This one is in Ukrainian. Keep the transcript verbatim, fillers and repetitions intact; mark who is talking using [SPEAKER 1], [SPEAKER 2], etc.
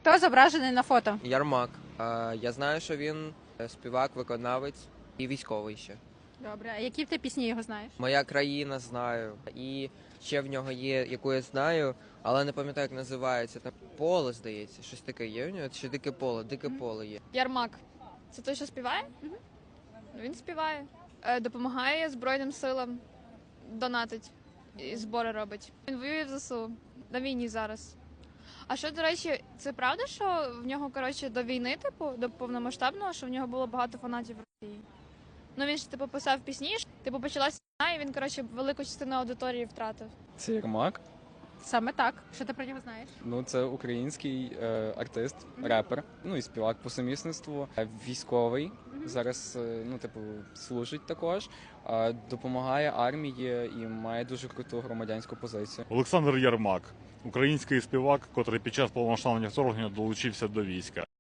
[SPEAKER 1] Хто зображений на фото?
[SPEAKER 2] Ярмак. А, я знаю, що він е, співак, виконавець і військовий ще.
[SPEAKER 1] Добре, а які ти пісні його знаєш?
[SPEAKER 2] Моя країна знаю. І ще в нього є, яку я знаю, але не пам'ятаю, як називається. Там поле, здається, щось таке є в нього. Чи дике поле, дике поле є.
[SPEAKER 3] Ярмак. Це той, що співає?
[SPEAKER 1] Мгм.
[SPEAKER 3] Ну, він співає. Е, Допомагає Збройним силам, донатить і збори робить. Він воює в ЗСУ на війні зараз. А що, до речі, це правда, що в нього, коротше, до війни, типу, до повномасштабного, що в нього було багато фанатів в Росії? Ну він ж типу писав пісні, ж, типу почалася війна, і він, коротше, велику частину аудиторії втратив.
[SPEAKER 4] Це Єрмак.
[SPEAKER 1] Саме так. Що ти про нього знаєш?
[SPEAKER 4] Ну, це український е, артист, репер, ну і співак по сумісництву. Е, Військовий. Зараз, е, ну, типу, служить також, е, допомагає армії і має дуже круту громадянську позицію.
[SPEAKER 5] Олександр Ярмак, український співак, котрий під час повномасштабного вторгнення долучився до війська.